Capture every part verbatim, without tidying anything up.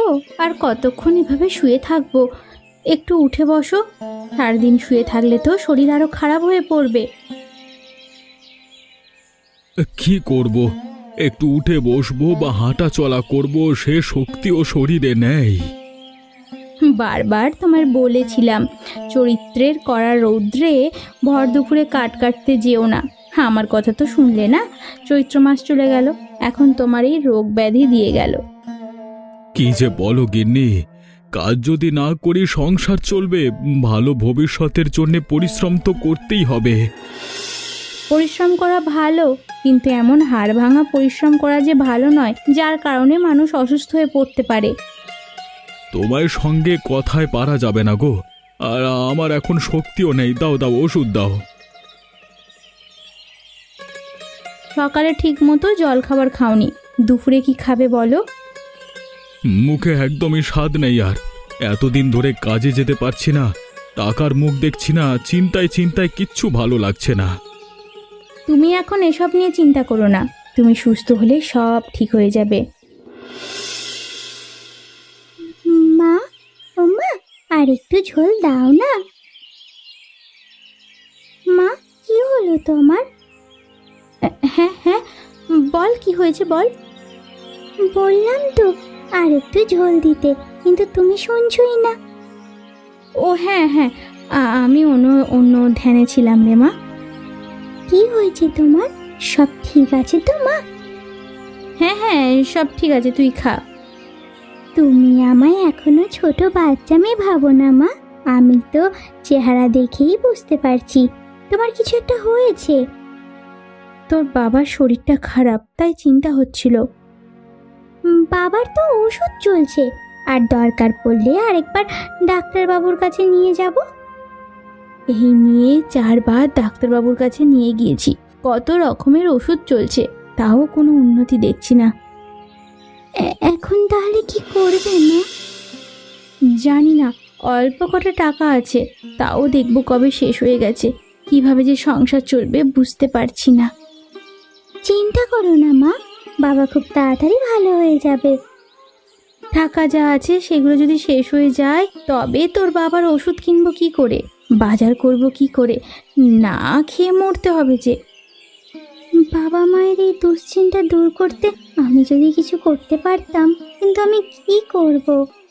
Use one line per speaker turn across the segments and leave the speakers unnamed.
গো, আর কতক্ষণ এভাবে শুয়ে থাকবো? একটু উঠে বসো। সারাদিন শুয়ে থাকলে তো শরীর আরো খারাপ হয়ে পড়বে।
কি করব? একটু উঠে বসবো বা হাঁটা চলা করব, সে শক্তিও শরীরে নেই।
বারবার তোমার বলেছিলাম চরিত্রের কড়া রৌদ্রে ভর দুপুরে কাট কাটতে যেও না। আমার কথা তো শুনলে না। চৈত্র মাস চলে গেল, এখন তোমার এই রোগ ব্যাধি দিয়ে গেল।
কি যে বলো গিন্নি, কাজ যদি না করি সংসার চলবে? ভালো ভবিষ্যতের জন্য পরিশ্রম তো করতেই হবে।
পরিশ্রম করা ভালো, কিন্তু এমন হাড় ভাঙা পরিশ্রম করা যে ভালো নয়, যার কারণে মানুষ অসুস্থ হয়ে পড়তে পারে।
তোমার সঙ্গে কথায় পারা যাবে না গো। আর আমার এখন শক্তিও নেই। দাও দাও, ওষুধ দাও।
সকালে ঠিক মতো জল খাবার খাওনি, দুপুরে কি খাবে বলো?
মুখে একদমই স্বাদ নেই। আর এতদিন ধরে কাজে যেতে পারছি না, টাকার মুখ দেখছি না, চিন্তায় চিন্তায় কিচ্ছু ভালো লাগছে না।
তুমি এখন এসব নিয়ে চিন্তা করো না, তুমি সুস্থ হলে সব ঠিক হয়ে যাবে। মা, ও মা, আর একটু ঝোল দাও না। মা, কি হলো তোমার? হ্যাঁ হ্যাঁ, বল কি হয়েছে বল। বললাম তো আর একটু ঝোল দিতে, কিন্তু তুমি শুনছই না। ও হ্যাঁ হ্যাঁ, আমি অন্য অন্য ধ্যানে ছিলাম রে মা। কি হয়েছে তোমার? সব ঠিক আছে তো মা? হ্যাঁ হ্যাঁ, সব ঠিক আছে, তুই খা। তুমি আমায় এখনো ছোট বাচ্চা মেয়ে ভাবো না মা। আমি তো চেহারা দেখেই বুঝতে পারছি তোমার কিছু একটা হয়েছে। তোর বাবার শরীরটা খারাপ, তাই চিন্তা হচ্ছিল। বাবার তো ওষুধ চলছে, আর দরকার পড়লে আরেকবার ডাক্তারবাবুর কাছে নিয়ে যাব। এই নিয়ে চারবার ডাক্তারবাবুর কাছে নিয়ে গিয়েছি, কত রকমের ওষুধ চলছে, তাও কোনো উন্নতি দেখছি না। এখন তাহলে কি করবে না? জানি না, অল্প কটা টাকা আছে, তাও দেখব কবে শেষ হয়ে গেছে। কিভাবে যে সংসার চলবে বুঝতে পারছি না। চিন্তা করো না মা, বাবা খুব তাড়াতাড়ি ভালো হয়ে যাবে। টাকা যা আছে সেগুলো যদি শেষ হয়ে যায়, তবে তোর বাবার ওষুধ কিনবো কি করে, বাজার করব কি করে? না খেয়ে মরতে হবে যে। বাবা মায়ের এই দুশ্চিন্তা দূর করতে আমি যদি কিছু করতে পারতাম, কিন্তু আমি কি করব?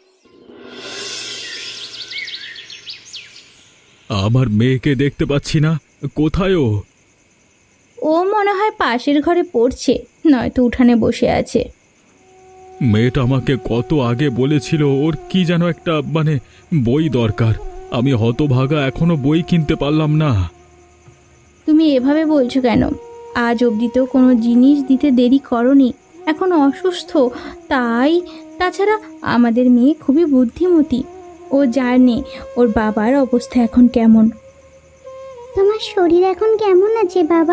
আমার মেয়েকে দেখতে পাচ্ছি না, কোথায় ও?
ও মনে হয় পাশের ঘরে পড়ছে, নয়তো উঠানে বসে আছে।
মেয়েটা আমাকে কত আগে বলেছিল ওর কি যেন একটা মানে বই দরকার। আমি হতভাগা, এখনো বই কিনতে পারলাম না।
তুমি এভাবে বলছো কেন? আজ অবধি তো কোনো জিনিস দিতে দেরি করনি, এখন অসুস্থ তাই। তাছাড়া আমাদের মেয়ে খুবই বুদ্ধিমতী, ও জানে ওর বাবার অবস্থা এখন কেমন। তোমার শরীর এখন কেমন আছে বাবা?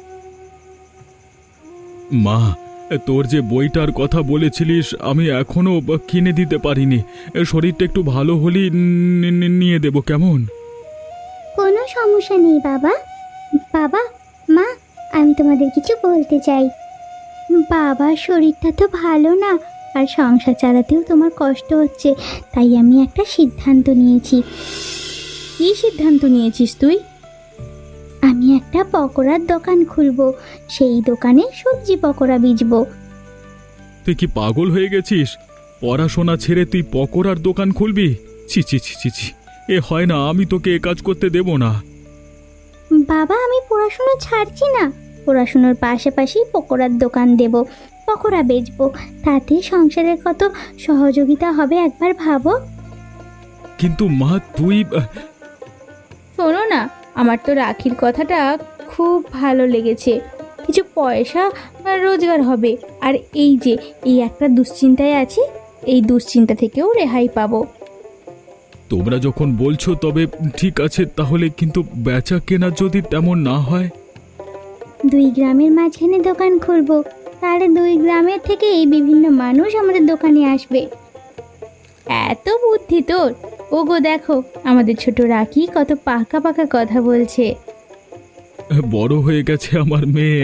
মা, তোর যে বইটার কথা বলেছিলিস আমি এখনো কিনে দিতে পারিনি। শরীরটা একটু ভালো হলেই নি- নি- নিয়ে দেব, কেমন?
কোনো সমস্যা নেই বাবা। বাবা, মা, আমি তোমাদের কিছু বলতে চাই। বাবার শরীরটা তো ভালো না, আর সংসার চালাতেও তোমার কষ্ট হচ্ছে, তাই আমি একটা সিদ্ধান্ত নিয়েছি। কী সিদ্ধান্ত নিয়েছিস তুই? আমি একটা পকোড়ার দোকান খুলবো, সেই দোকানে সবজি পকোড়া বেচবো।
তুই কি পাগল হয়ে গেছিস? পড়াশোনা ছেড়ে তুই পকোড়ার দোকান খুলবি? ছি ছি ছি ছি ছি, এ হয় না, আমি তোকে এ কাজ করতে দেব না।
বাবা, আমি পড়াশোনা ছাড়ছি না, পড়াশোনার পাশাপাশি পকোড়ার দোকান দেব, পকোড়া বেচবো, তাতে সংসারের কত সহযোগিতা হবে একবার ভাবো।
কিন্তু মা তুই আহ,
শোনো না, আমার তো রাখির কথাটা খুব ভালো লেগেছে, কিছু পয়সা রোজগার হবে, আর এই যে এই একটা দুশ্চিন্তায় আছি, এই দুশ্চিন্তা থেকেও রেহাই পাবো।
তোমরা যখন বলছো তবে ঠিক আছে, তাহলে কিন্তু বেচা কেনা যদি তেমন না হয়?
দুই গ্রামের মাঝখানে দোকান খুলবো, তাহলে দুই গ্রামের থেকে এই বিভিন্ন মানুষ আমাদের দোকানে আসবে। এত বুদ্ধি তোর! ওগো দেখো, আমাদের ছোট রাখি কত পাকা পাকা কথা বলছে।
বড় হয়ে গেছে আমার মেয়ে।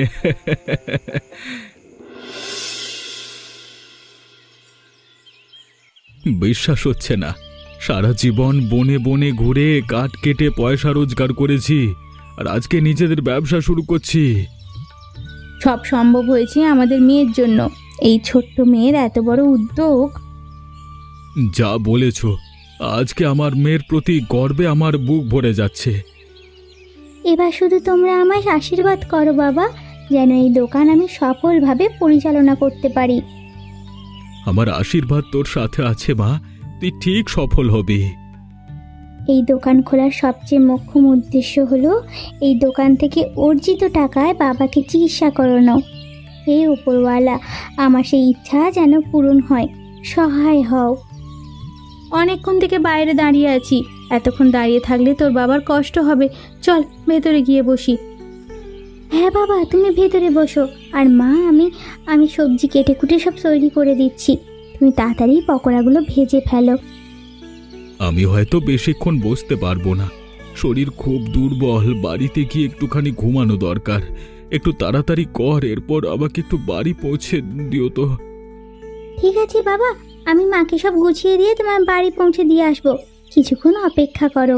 বিশ্বাস হচ্ছে না, সারা জীবন বনে বনে ঘুরে কাঠ কেটে পয়সা রোজগার করেছি, আর আজকে নিজেদের ব্যবসা শুরু করছি।
সব সম্ভব হয়েছে আমাদের মেয়ের জন্য। এই ছোট্ট মেয়ের এত বড় উদ্যোগ।
যা বলেছ, আজকে আমার মেয়ের প্রতি গর্বে আমার বুক ভরে যাচ্ছে।
এবার শুধু তোমরা আমায় আশীর্বাদ করো বাবা, যেন এই দোকান আমি সফলভাবে পরিচালনা করতে পারি।
আমার আশীর্বাদ তোর সাথে আছে মা, তুই ঠিক সফল হবি।
এই দোকান খোলার সবচেয়ে মোক্ষম উদ্দেশ্য হলো এই দোকান থেকে অর্জিত টাকায় বাবাকে চিকিৎসা করানো। হে উপরওয়ালা, আমার সেই ইচ্ছা যেন পূরণ হয়, সহায় হও। অনেকক্ষণ থেকে বাইরে দাঁড়িয়ে আছি, এতক্ষণ দাঁড়িয়ে থাকলে তোর বাবার কষ্ট হবে। চল ভেতরে গিয়ে বসি। হ্যাঁ বাবা, তুমি ভেতরে বসো। আর মা, আমি আমি সবজি কেটে কুটে সব তৈরি করে দিচ্ছি, তুমি তাড়াতাড়ি পকোড়াগুলো ভেজে ফেলো।
আমি হয়তো বেশিক্ষণ বসতে পারবো না, শরীর খুব দুর্বল, বাড়িতে গিয়ে একটুখানি ঘুমানো দরকার। একটু তাড়াতাড়ি কর, এরপর আমাকে একটু বাড়ি পৌঁছে দিও তো।
ঠিক আছে বাবা, আমি মাকে সব গুছিয়ে দিয়ে তোমার বাড়ি পৌঁছে দিয়ে আসবো, কিছুক্ষণ অপেক্ষা করো।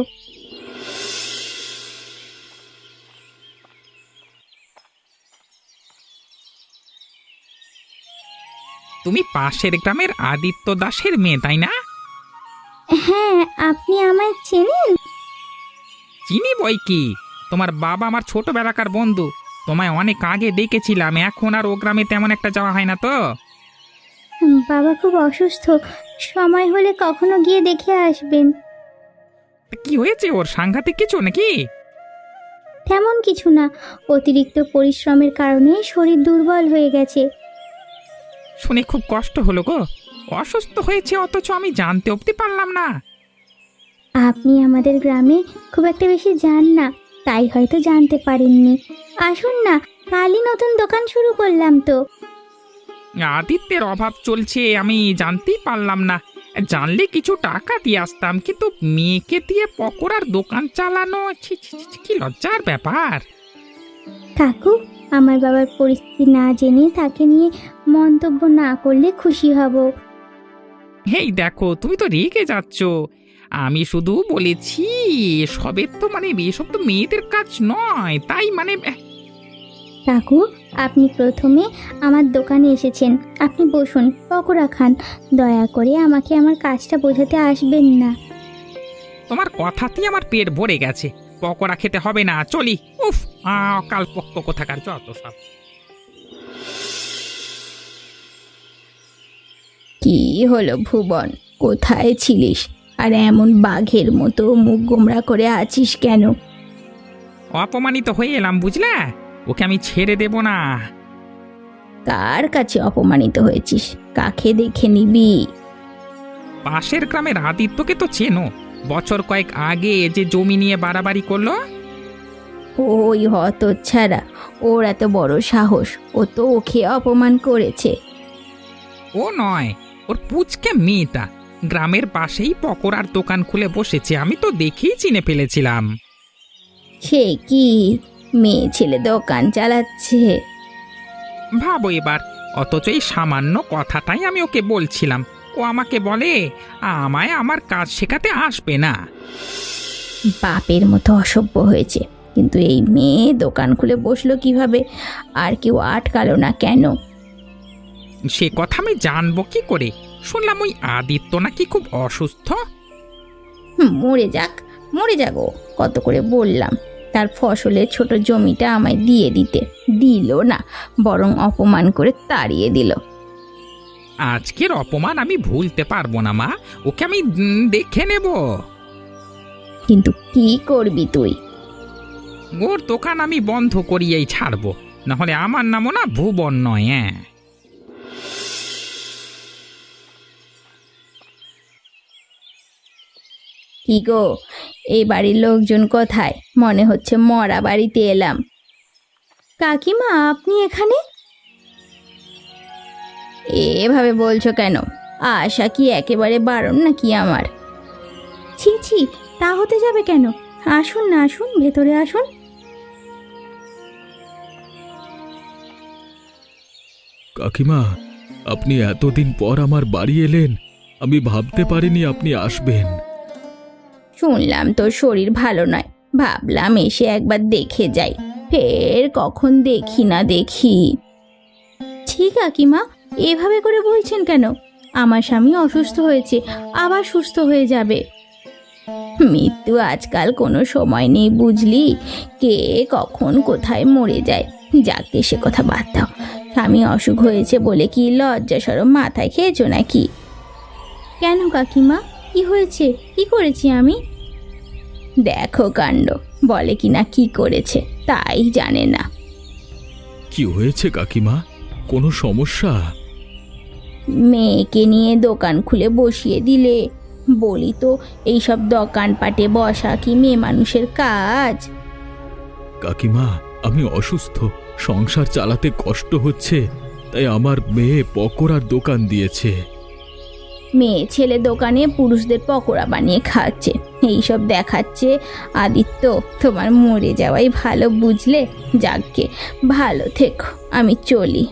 তুমি পাশের গ্রামের আদিত্য দাসের মেয়ে, তাই না?
হ্যাঁ, আপনি আমায় চেনেন?
চিনি বই কি, তোমার বাবা আমার ছোটবেলাকার বন্ধু। তোমায় অনেক আগে দেখেছিলাম, এখন আর ও গ্রামে তেমন একটা যাওয়া হয় না তো।
হুম, বাবা খুব অসুস্থ, সময় হলে কখনো গিয়ে দেখে আসবেন।
তা কি হয়েছে ওর, সাংঘাতিক কিছু নাকি?
তেমন কিছু না, অতিরিক্ত পরিশ্রমের কারণে শরীর দুর্বল হয়ে গেছে।
শুনে খুব কষ্ট হলো গো, অসুস্থ হয়েছে অথচ আমি জানতে অবধি পারলাম না।
আপনি আমাদের গ্রামে খুব একটা বেশি যান না, তাই হয়তো জানতে পারেননি। আসুন না, কালই নতুন দোকান শুরু করলাম তো।
আদিত্যের অভাব চলছে আমি জানতেই পারলাম না, জানলে কিছু টাকা দিয়ে আসতাম, কিন্তু মেয়েকে দিয়ে পকোড়ার দোকান চালানো, ছি ছি ছি, কি লজ্জার ব্যাপার।
কাকু, আমার বাবার পরিস্থিতি না জেনে তাকে নিয়ে মন্তব্য না করলে খুশি হব।
হেই দেখো, তুমি তো রেগে যাচ্ছ। আমি শুধু বলেছি সবের তো মানে এসব তো মেয়েদের কাজ নয়, তাই মানে
কাকু, আপনি প্রথমে আমার দোকানে এসেছেন, আপনি বসুন, পকোড়া খান। দয়া করে আমাকে আমার কাজটা বোঝাতে আসবেন না।
তোমার কথাতেই আমার পেট ভরে গেছে, পকোড়া খেতে হবে না, চলি। উফ, কাল পক্ক কোথাকার যত সব।
কি হলো ভুবন, কোথায় ছিলিস? আর এমন বাঘের মতো মুখ গোমড়া করে আছিস কেন?
অপমানিত হয়ে এলাম বুঝলে, ওকে আমি ছেড়ে দেব না।
কার কাছে অপমানিত হয়েছিস? কাকে দেখে নিবি?
পাশের গ্রামের আদিত্যকে তো চেনো, বছর কয়েক আগে যে জমি নিয়ে বাড়াবাড়ি করলো।
ওই হতচ্ছাড়া, ওর এত বড় সাহস, ও তো ওকে অপমান করেছে।
ও নয়, ওর পুচকে মেয়েটা গ্রামের পাশেই পকোড়ার দোকান খুলে বসেছে, আমি তো দেখেই চিনে ফেলেছিলাম।
সে কি, মেয়ে ছেলে দোকান চালাচ্ছে?
ভাবো এবার, অথচ এই সামান্য কথাটাই আমি ওকে বলছিলাম, ও আমাকে বলে আমায় আমার কাজ শেখাতে আসবে না।
বাপের মতো অসভ্য হয়েছে, কিন্তু এই মেয়ে দোকান খুলে বসলো কিভাবে? আর কেউ আটকালো না কেন?
সে কথা আমি জানবো কি করে? শুনলাম ওই আদিত্য নাকি খুব অসুস্থ।
হুম, মরে যাক, মরে যাবো, কত করে বললাম তার ফসলের ছোট জমিটা আমায় দিয়ে দিতে, দিল না, বরং অপমান করে তাড়িয়ে দিল।
আজকের অপমান আমি ভুলতে পারবো না মা, ওকে আমি উম, দেখে নেব।
কিন্তু কি করবি তুই?
ওর দোকান আমি বন্ধ করিয়েই ছাড়বো, নাহলে আমার নামও না ভুবন নয়। হ্যাঁ,
কি গো, এই বাড়ির লোকজন কোথায়? মনে হচ্ছে মরা বাড়িতে এলাম। কাকিমা, আপনি এখানে? এভাবে বলছো কেন? আশা কি একেবারে বারণ নাকি আমার? ছি ছি, তা হতে যাবে কেন? আসুন না, আসুন, ভেতরে আসুন।
কাকিমা, আপনি এতদিন পর আমার বাড়ি এলেন, আমি ভাবতে পারিনি আপনি আসবেন।
শুনলাম তোর শরীর ভালো নয়, ভাবলাম এসে একবার দেখে যাই, ফের কখন দেখি না দেখি। ঠিক কাকিমা, এভাবে করে বলছেন কেন? আমার স্বামী অসুস্থ হয়েছে, আবার সুস্থ হয়ে যাবে। মৃত্যু আজকাল কোনো সময় নেই বুঝলি, কে কখন কোথায় মরে যায়। যাকে সে কথা বাদ দাও। স্বামী অসুখ হয়েছে বলে কি লজ্জা সরম মাথায় খেয়েছো নাকি? কেন কাকিমা, কি হয়েছে? কি করেছি আমি? দেখো কাণ্ড, বলে কিনা কি করেছে তাই জানে না।
কি হয়েছে কাকিমা? কোনো সমস্যা?
মেয়েকে নিয়ে দোকান খুলে বসিয়ে দিলে। বলি তো, এইসব দোকানপাটে বসা কি মেয়ে মানুষের কাজ?
কাকিমা, আমি অসুস্থ, সংসার চালাতে কষ্ট হচ্ছে, তাই আমার মেয়ে পকোড়ার দোকান দিয়েছে।
মেয়ে ছেলে দোকানে পুরুষদের পকোড়া বানিয়ে খাচ্ছে, এইসব দেখাচ্ছে। আদিত্য, তোমার মরে যাওয়াই ভালো বুঝলে। যাকগে, ভালো থেকো, আমি চলি।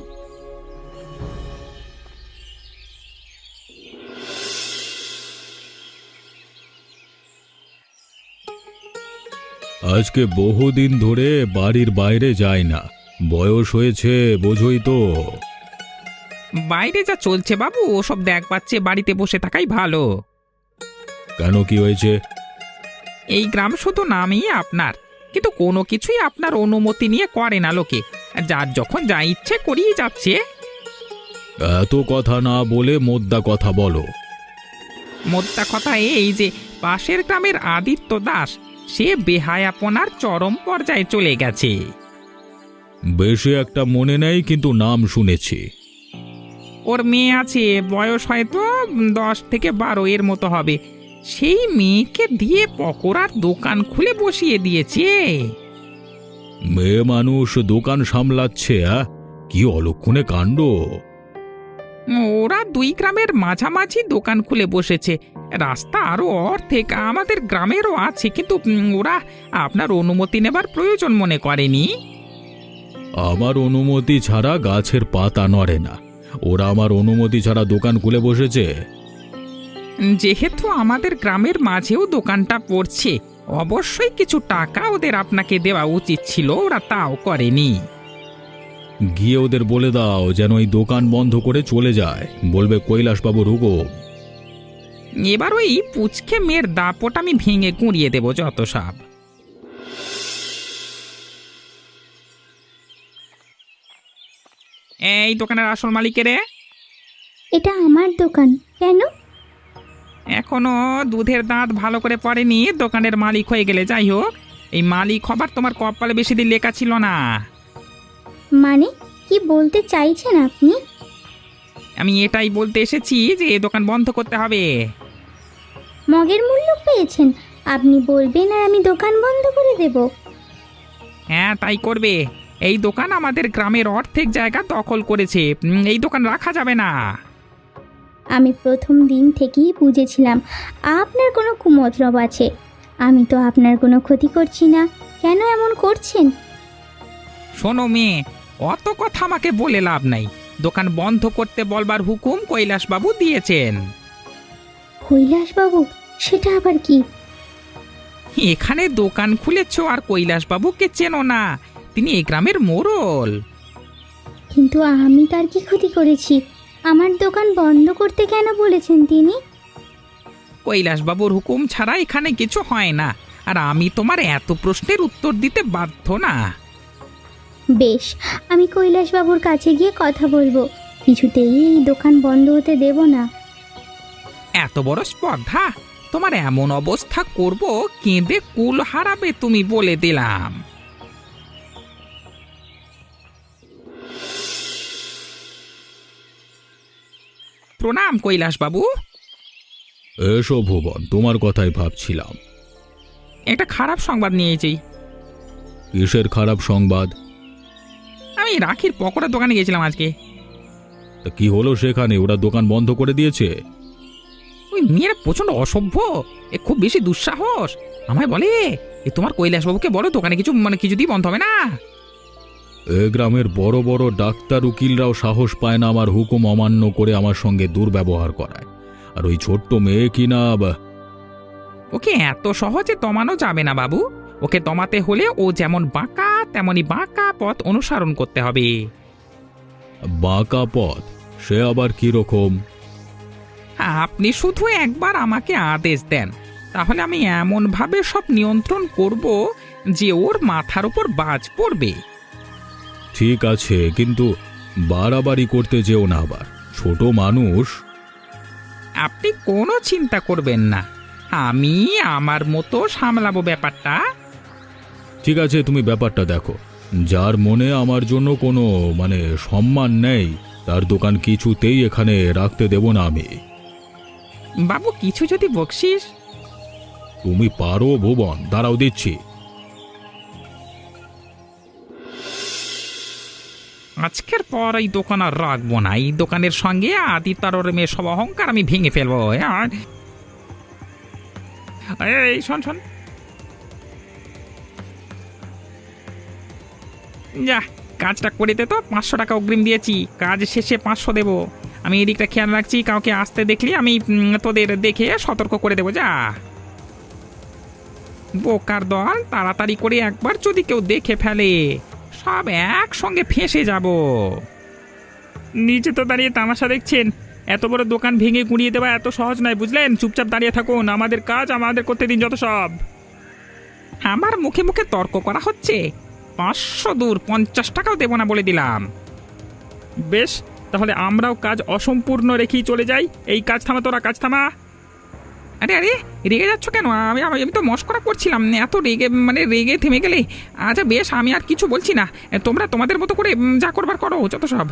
আজকে বহুদিন ধরে বাড়ির বাইরে যায় না, বয়স হয়েছে বোঝই তো।
বাইরে যা চলছে বাবু, ওসব দেখ পাচ্ছে, বাড়িতে বসে থাকাই ভালো।
কেন, কি হয়েছে?
এই গ্রাম শুধু নামেই আপনার, কিন্তু কোনো কিছুই আপনার অনুমতি নিয়ে করে না লোকে। যার যখন যা ইচ্ছে করিয়ে যাচ্ছে।
এত কথা না বলে মোদ্দা কথা বলো।
মোদ্দা কথা এই যে পাশের গ্রামের আদিত্য দাস, সে বেহায়াপনার চরম পর্যায়ে চলে গেছে।
বেশি একটা মনে নেই, কিন্তু নাম শুনেছি।
ওর মেয়ে আছে, বয়স হয়তো দশ থেকে বারো এর মতো হবে। সেই মেয়েকে দিয়ে পকোড়ার দোকান খুলে বসিয়ে দিয়েছে।
মেয়ে মানুষ দোকান সামলাচ্ছে? আহ, কি অলক্ষণে কাণ্ড!
ওরা দুই গ্রামের মাঝামাঝি দোকান খুলে বসেছে। রাস্তা আরো অর্ধেক আমাদের গ্রামেরও আছে, কিন্তু উম, ওরা আপনার অনুমতি নেবার প্রয়োজন মনে করেনি।
আমার অনুমতি ছাড়া গাছের পাতা নড়ে না। ওরা আমার অনুমতি ছাড়া দোকান খুলে বসেছে।
যেহেতু আমাদের গ্রামের মাঝেও দোকানটা পড়ছে, অবশ্যই কিছু টাকা ওদের আপনাকে দেওয়া উচিত ছিল, ওরা তাও করেনি।
গিয়ে ওদের বলে দাও যেন এই দোকান বন্ধ করে চলে যায়। বলবে কৈলাসবাবুর হুকুম।
এবার ওই পুচকে মেয়ের দাপট আমি ভেঙে গুঁড়িয়ে দেবো যত সব। এই দোকানের আসল মালিকের?
এটা আমার দোকান, কেন?
এখনো দুধের দাঁত ভালো করে পড়েনি, দোকানের মালিক হয়ে গেলে। যাই হোক, এই মালিক হবার তোমার কপালে বেশি দিন লেখা ছিল না।
মানে কি বলতে চাইছেন আপনি?
আমি এটাই বলতে এসেছি যে এ দোকান বন্ধ করতে হবে।
মগের মূল্য পেয়েছেন? আপনি বলবেন আর আমি দোকান বন্ধ করে দেব?
হ্যাঁ, তাই করবে। এই দোকান আমাদের গ্রামের অর্ধেক জায়গা দখল করেছে, উম, এই দোকান রাখা যাবে না।
আমি প্রথম দিন থেকেই বুঝেছিলাম আপনার কোনো কুমতলব আছে। আমি তো আপনার কোনো ক্ষতি করছি না, কেন এমন করছেন?
শোনো মেয়ে, অত কথা আমাকে বলে লাভ নাই। দোকান বন্ধ করতে বলবার হুকুম কৈলাসবাবু দিয়েছেন।
কৈলাসবাবু? সেটা আবার কি?
এখানে দোকান খুলেছ আর কৈলাসবাবুকে চেনো না? তিনি এই গ্রামের মোড়ল।
কিন্তু আমি তার কি ক্ষতি করেছি? আমার দোকান বন্ধ করতে কেন বলেছেন তিনি?
কৈলাসবাবুর হুকুম ছাড়া এখানে কিছু হয় না, আর আমি তোমার এত প্রশ্নের উত্তর দিতে বাধ্য না।
বেশ, আমি কৈলাসবাবুর কাছে গিয়ে কথা বলবো। কিছুতেই এই দোকান বন্ধ হতে দেব না।
এত বড় স্পর্ধা! তোমার এমন অবস্থা করব, কেঁদে কুল হারাবে তুমি, বলে দিলাম। প্রণাম কৈলাসবাবু।
এসো ভুবন, তোমার কথাই ভাবছিলাম।
একটা খারাপ সংবাদ নিয়েছি।
কিসের খারাপ সংবাদ?
আমি রাখির পকোড়া দোকানে গেছিলাম আজকে।
তা কি হলো সেখানে? ওরা দোকান বন্ধ করে দিয়েছে?
ওই মেয়েরা প্রচন্ড অসভ্য, এ খুব বেশি দুঃসাহস। আমায় বলে, এ তোমার কৈলাসবাবুকে বলো দোকানে কিছু মানে কিছুতেই বন্ধ হবে না।
এ গ্রামের বড় বড় ডাক্তার উকিলরাও সাহস পায় না আমার হুকুম অমান্য করে আমার সঙ্গে দুর্ব্যবহার করায়। আর ওই ছোট্ট মেয়ে কি না বা-
ওকে এত সহজে দমানো যাবে না বাবু। ওকে দমাতে হলে ও যেমন বাঁকা তেমনি বাঁকা পথ অনুসরণ করতে হবে।
বাঁকা পথ? সে আবার কি রকম?
আপনি শুধু একবার আমাকে আদেশ দেন, তাহলে আমি এমন ভাবে সব নিয়ন্ত্রণ করব যে ওর মাথার উপর বাজ পড়বে।
ঠিক আছে, কিন্তু বাড়াবাড়ি করতে যেও না আবার, ছোট মানুষ।
আপনি কোনো চিন্তা করবেন না, আমি আমার মতো সামলাবো ব্যাপারটা।
ঠিক আছে, তুমি ব্যাপারটা দেখো। যার মনে আমার জন্য কোনো মানে সম্মান নেই, তার দোকান কিছুতেই এখানে রাখতে দেব না আমি।
বাবু কিছু যদি বকশিস।
তুমি পারো ভুবন, দাঁড়াও দিচ্ছি।
আজকের পর এই দোকান আর রাখবো না। এই দোকানের সঙ্গে আদিত্যার ওর মেয়ে সব অহংকার আমি ভেঙে ফেলবো। হ্যাঁ? এই শোন শোন, যা কাজটা করে দে তো। পাঁচশো টাকা অগ্রিম দিয়েছি, কাজ শেষে পাঁচশো দেবো। আমি এদিকটা খেয়াল রাখছি, কাউকে আসতে দেখলি আমি উম, তোদের দেখে সতর্ক করে দেবো। যা বোকার দল, তাড়াতাড়ি করে একবার যদি কেউ দেখে ফেলে সব একসঙ্গে ফেঁসে যাব। নিচে তো দাঁড়িয়ে তামাশা দেখছেন, এত বড় দোকান ভেঙে গুঁড়িয়ে দেওয়া এত সহজ নয়, বুঝলেন? চুপচাপ দাঁড়িয়ে থাকুন, আমাদের কাজ আমাদের করতে দিন যত সব। আমার মুখে মুখে তর্ক করা হচ্ছে? পাঁচশো দূর, পঞ্চাশ টাকাও দেবো না বলে দিলাম। বেশ, তাহলে আমরাও কাজ অসম্পূর্ণ রেখেই চলে যাই। এই কাজ থামা, তোরা কাজ থামা। আরে আরে রেগে যাচ্ছ কেন? আমি আমি আমি তো মস্করা করছিলাম, এত রেগে মানে রেগে থেমে গেলে। আচ্ছা বেশ, আমি আর কিছু বলছি না, তোমরা তোমাদের মতো করে উম, যা করবার করো যত সব।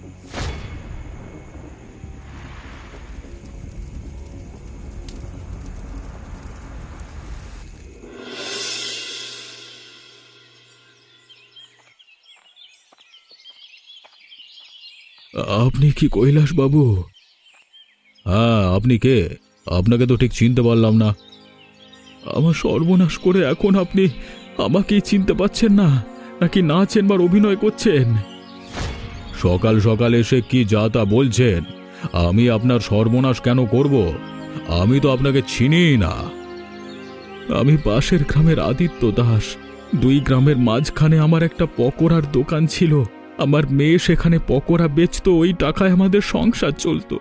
আপনি কি কৈলাস বাবু? হ্যাঁ, আপনি কে? আপনাকে তো ঠিক চিনতে পারলাম না। আমার সর্বনাশ করে এখন আপনি আমাকেই চিনতে পাচ্ছেন না, নাকি না চেনবার অভিনয় করছেন? সকাল সকাল এসে কি যা তা বলছেন? আমি আপনার সর্বনাশ কেন করব? আমি তো আপনাকে চিনি না। আমি পাশের গ্রামের আদিত্য দাস। দুই গ্রামের মাঝখানে আমার একটা পকোড়ার দোকান ছিল। আমার মেয়ে সেখানে পকোড়া বেচতো, ওই টাকায় আমাদের সংসার চলতো।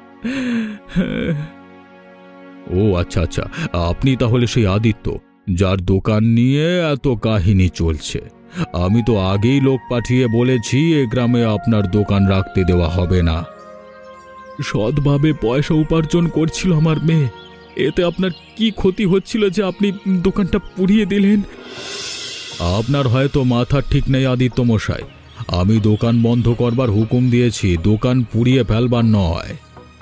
ও আচ্ছা আচ্ছা, আপনি তাহলে সেই আদিত্য যার দোকান নিয়ে এত কাহিনী চলছে। আমি তো আগেই লোক পাঠিয়ে বলেছি এ গ্রামে আপনার দোকান রাখতে দেওয়া হবে না। সৎভাবে পয়সা উপার্জন করছিল আমার মেয়ে, এতে আপনার কি ক্ষতি হচ্ছিল যে আপনি দোকানটা পুড়িয়ে দিলেন? আপনার হয়তো মাথা ঠিক নেই আদিত্য মশাই। আমি দোকান বন্ধ করবার হুকুম দিয়েছি, দোকান পুড়িয়ে ফেলবার নয়।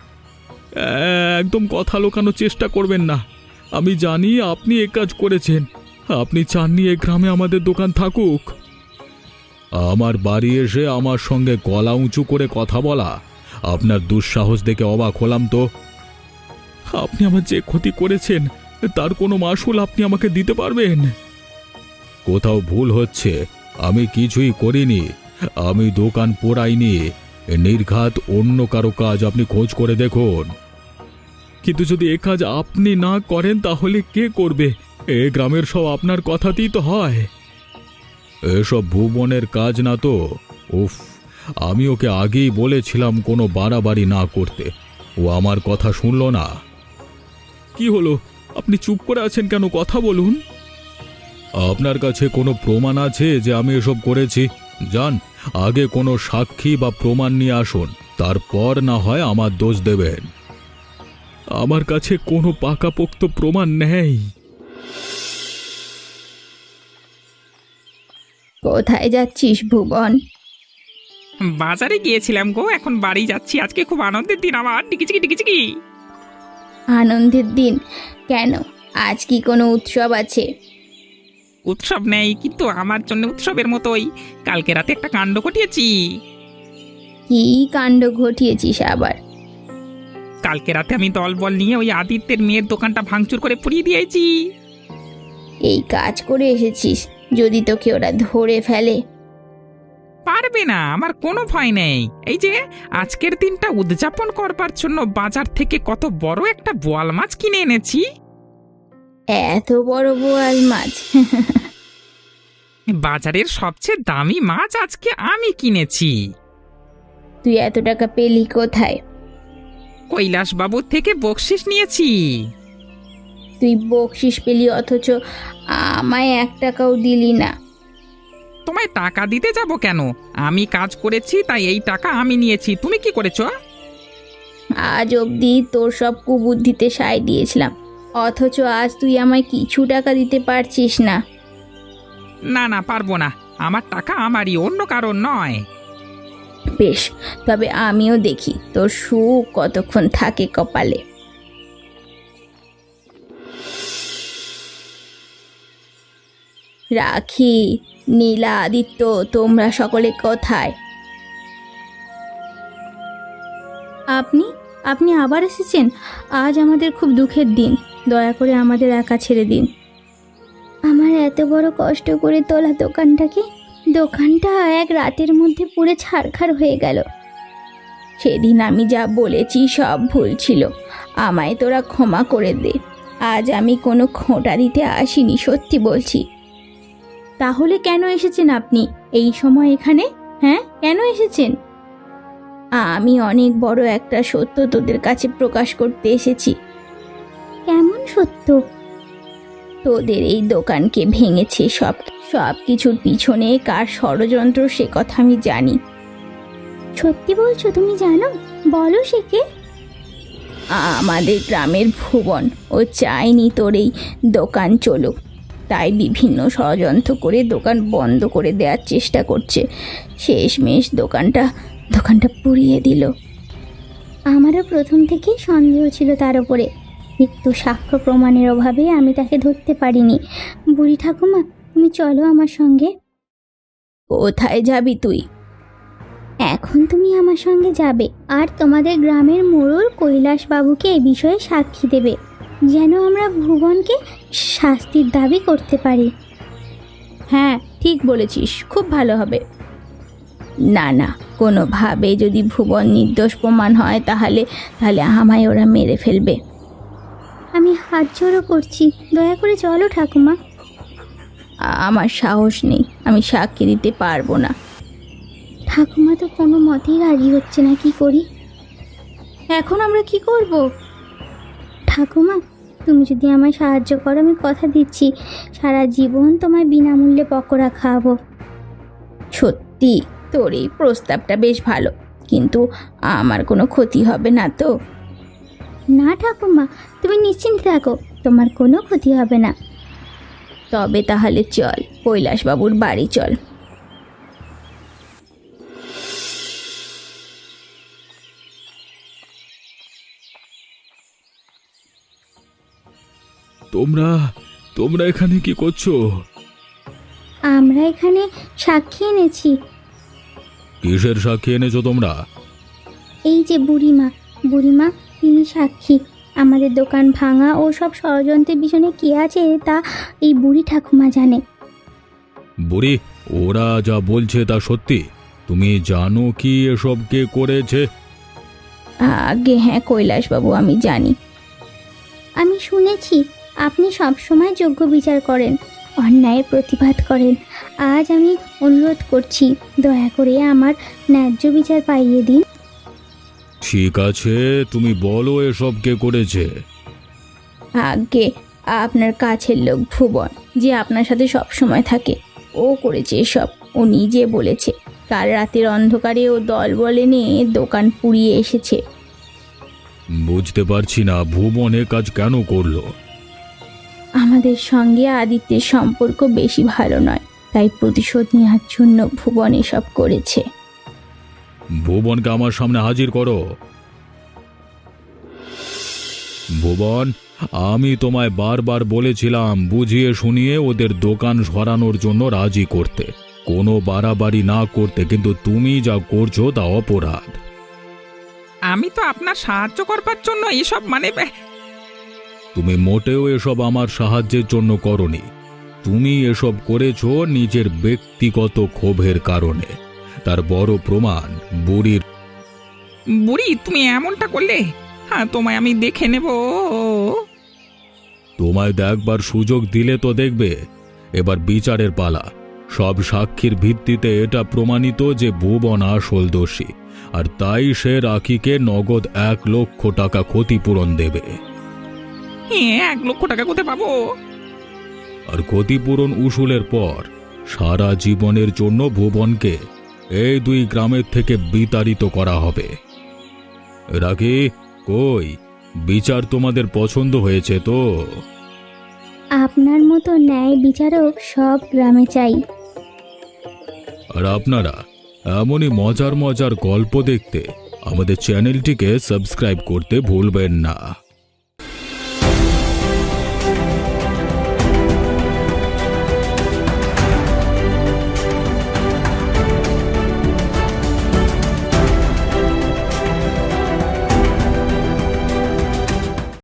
একদম কথা লোকানোর চেষ্টা করবেন না। আমি জানি আপনি এ কাজ করেছেন। আপনি চাননি এ গ্রামে আমাদের দোকান থাকুক। আমার বাড়ি এসে আমার সঙ্গে গলা উঁচু করে কথা বলা আপনার দুঃসাহস দেখে অবাক হলাম তো। আপনি আমার যে ক্ষতি করেছেন তার কোনো মাসুল আপনি আমাকে দিতে পারবেন? কোথাও ভুল হচ্ছে, আমি কিছুই করিনি। আমি দোকান পোড়াইনি, নির্ঘাত অন্য কারো কাজ আপনি খোঁজ করে দেখুন। কিন্তু যদি এ কাজ আপনি না করেন তাহলে কে করবে? এ গ্রামের সব আপনার কথাতেই তো হয়। এসব ভুবনের কাজ না তো। উফ, আমি ওকে আগেই বলেছিলাম কোনো বাড়াবাড়ি না করতে, ও আমার কথা শুনল না। কি হলো, আপনি চুপ করে আছেন কেন? কথা বলুন। আপনার কাছে কোনো প্রমাণ আছে যে আমি এসব করেছি? যান, আগে কোনো সাক্ষী বা প্রমাণ নিয়ে আসুন, তারপর না হয় আমার দোষ দেবেন। আমার কাছে কোনো পাকাপোক্ত প্রমাণ নেই।
কোথায় যাচ্ছিস ভুবন?
বাজারে গিয়েছিলাম গো, এখন বাড়ি যাচ্ছি। আজকে খুব আনন্দের দিন আমার। টিকিচিকি টিকিচিকি।
আনন্দের দিন কেন? আজ কি কোনো উৎসব আছে?
উৎসব নেই, কিন্তু আমার জন্য উৎসবের মতোই। কালকে রাতে একটা কাণ্ড ঘটিয়েছি।
কি কাণ্ড ঘটিয়েছিস আবার?
কালকে রাতে আমি দলবল নিয়ে ওই আদিত্যের মেয়ের দোকানটা ভাঙচুর করে পুড়িয়ে দিয়েছি।
এই কাজ করে এসেছিস? যদি তোকে ওরা ধরে ফেলে?
পা পারবে না, আমার কোনো ভয় নেই। এই যে আজকের দিনটা উদযাপন করবার জন্য বাজার থেকে কত বড় একটা বোয়াল মাছ কিনে এনেছি।
এত বড় বোয়াল মাছ?
বাজারের সবচেয়ে দামি মাছ আজকে আমি কিনেছি।
তুই এত টাকা পেলি কোথায়?
কৈলাস বাবুর থেকে বকশিস নিয়েছি।
তুই বকশিস পেলি অথচ আমায় এক টাকাও দিলি না।
তোমায় টাকা দিতে যাব কেন? আমি কাজ করেছি তাই এই টাকা আমি নিয়েছি। তুমি কি করেছো?
আজ অবধি তোর সব কুবুদ্ধিতে সায় দিয়েছিলাম, অথচ আজ তুই আমায় কিছু টাকা দিতে পারছিস না।
না না, পারবো না। আমার টাকা আমারই, অন্য কারণ নয়।
বেশ, তবে আমিও দেখি তোর সুখ কতক্ষণ থাকে কপালে। রাখি, নীলা, আদিত্য, তোমরা সকলে কোথায়? আপনি আপনি আবার এসেছেন? আজ আমাদের খুব দুঃখের দিন, দয়া করে আমাদের একা ছেড়ে দিন। আমার এত বড় কষ্ট করে তোলা দোকানটাকে দোকানটা এক রাতের মধ্যে পুরো ছারখার হয়ে গেল। সেদিন আমি যা বলেছি সব ভুল ছিল, আমায় তোরা ক্ষমা করে দে। আজ আমি কোনো খোঁটা দিতে আসিনি, সত্যি বলছি। তাহলে কেন এসেছেন আপনি এই সময় এখানে? হ্যাঁ, কেন এসেছেন? আমি অনেক বড় একটা সত্য তোদের কাছে প্রকাশ করতে এসেছি। কেমন সত্য? তোদের এই দোকানকে ভেঙেছে, সব সব কিছুর পিছনে কার ষড়যন্ত্র সে কথা আমি জানি। সত্যি বলছো? তুমি জানো? বলো সে কে। আমাদের গ্রামের ভুবন। ও চায়নি তোর এই দোকান চলুক, তাই বিভিন্ন ষড়যন্ত্র করে দোকান বন্ধ করে দেওয়ার চেষ্টা করছে। শেষমেশ দোকানটা দোকানটা পুড়িয়ে দিল। আমারও প্রথম থেকেই সন্দেহ ছিল তার উপরে, কিন্তু সাক্ষ্য প্রমাণের অভাবে আমি তাকে ধরতে পারিনি। বুড়ি ঠাকুমা, তুমি চলো আমার সঙ্গে। কোথায় যাবি তুই? এখন তুমি আমার সঙ্গে যাবে, আর তোমাদের গ্রামের মোড়ল কৈলাস বাবুকে এই বিষয়ে সাক্ষী দেবে, যেন আমরা ভুবনকে শাস্তির দাবি করতে পারি। হ্যাঁ, ঠিক বলেছিস, খুব ভালো হবে। না না, কোনোভাবে যদি ভুবন নির্দোষ প্রমাণ হয় তাহলে তাহলে আমায় ওরা মেরে ফেলবে। আমি হাত জোড়ো করছি, দয়া করে চলো ঠাকুমা। আমার সাহস নেই, আমি সাক্ষী দিতে পারবো না। ঠাকুমা তো কোনো মতেই রাজি হচ্ছে না, কি করি? এখন আমরা কি করব? ঠাকুমা, তুমি যদি আমায় সাহায্য করো, আমি কথা দিচ্ছি সারা জীবন তোমায় বিনামূল্যে পকোড়া খাওয়াবো। সত্যি? তোর এই প্রস্তাবটা বেশ ভালো, কিন্তু আমার কোনো ক্ষতি হবে না তো? না ঠাকুমা, তুমি নিশ্চিন্ত থাকো, তোমার কোনো ক্ষতি হবে না। তবে তাহলে চল, কৈলাসবাবুর বাড়ি চল।
তোমরা তোমরা এখানে কি করছো?
আমরা এখানে সাক্ষী এনেছি।
কিসের সাক্ষী এনেছো তোমরা?
এই যে বুড়িমা, বুড়িমা তিনি সাক্ষী। আমাদের দোকান ভাঙা ও সব ষড়যন্ত্রের পিছনে কে আছে তা এই বুড়ি ঠাকুমা জানে।
বুড়ি, ওরা যা বলছে তা সত্যি? তুমি জানো কি এসব কে করেছে?
আগে হ্যাঁ কৈলাসবাবু, আমি জানি। আমি শুনেছি আপনি সবসময় যোগ্য বিচার করেন, অন্যায়ের প্রতিবাদ করেন। আজ আমি অনুরোধ করছি, দয়া করে আমার ন্যায্য বিচার পাইয়ে দিন।
ঠিক আছে, তুমি বলো এসব কে করেছে।
আগে আপনার কাছের লোক ভুবন, যে আপনার সাথে সব সময় থাকে, ও করেছে এসব। ও নিজে বলেছে কাল রাতের অন্ধকারে ও দল বলে নিয়ে দোকান পুড়িয়ে এসেছে।
বুঝতে পারছি না, ভুবন এ কাজ কেন করলো?
আমাদের সঙ্গে আদিত্যের সম্পর্ক বেশি ভালো নয়, তাই প্রতিশোধ নেওয়ার জন্য ভুবন এসব করেছে।
ভুবনকে আমার সামনে হাজির করো। ভুবন, আমি তোমায় বারবার বলেছিলাম বুঝিয়ে শুনিয়ে ওদের দোকান সরানোর জন্য রাজি করতে, কোনো বাড়াবাড়ি না করতে, কিন্তু তুমি যা করছো তা অপরাধ।
আমি তো আপনার সাহায্য করবার জন্য এসব মানে
তুমি মোটেও এসব আমার সাহায্যের জন্য করনি। তুমি এসব করেছো নিজের ব্যক্তিগত ক্ষোভের কারণে। তার বড় প্রমাণ বুড়ির।
বুড়ি তুমি এমনটা করলে? হ্যাঁ, তোমায় আমি দেখে নেব।
তোমায় দেখবার সুযোগ দিলে তো দেখবে। এবার বিচারের পালা। সব সাক্ষীর ভিত্তিতে এটা প্রমাণিত যে ভুবন আসল দোষী, আর তাই সে রাখিকে নগদ এক লক্ষ টাকা ক্ষতিপূরণ দেবে।
হ্যাঁ, এক লক্ষ টাকা কোথায় পাবো?
আর ক্ষতিপূরণ উসুলের পর সারা জীবনের জন্য ভুবনকে এই দুই গ্রামের থেকে বিতাড়িত করা হবে। রাখি, কই বিচার তোমাদের পছন্দ হয়েছে তো?
আপনার মতো ন্যায় বিচারক সব গ্রামে চাই।
আর আপনারা এমনই মজার মজার গল্প দেখতে আমাদের চ্যানেলটিকে সাবস্ক্রাইব করতে ভুলবেন না।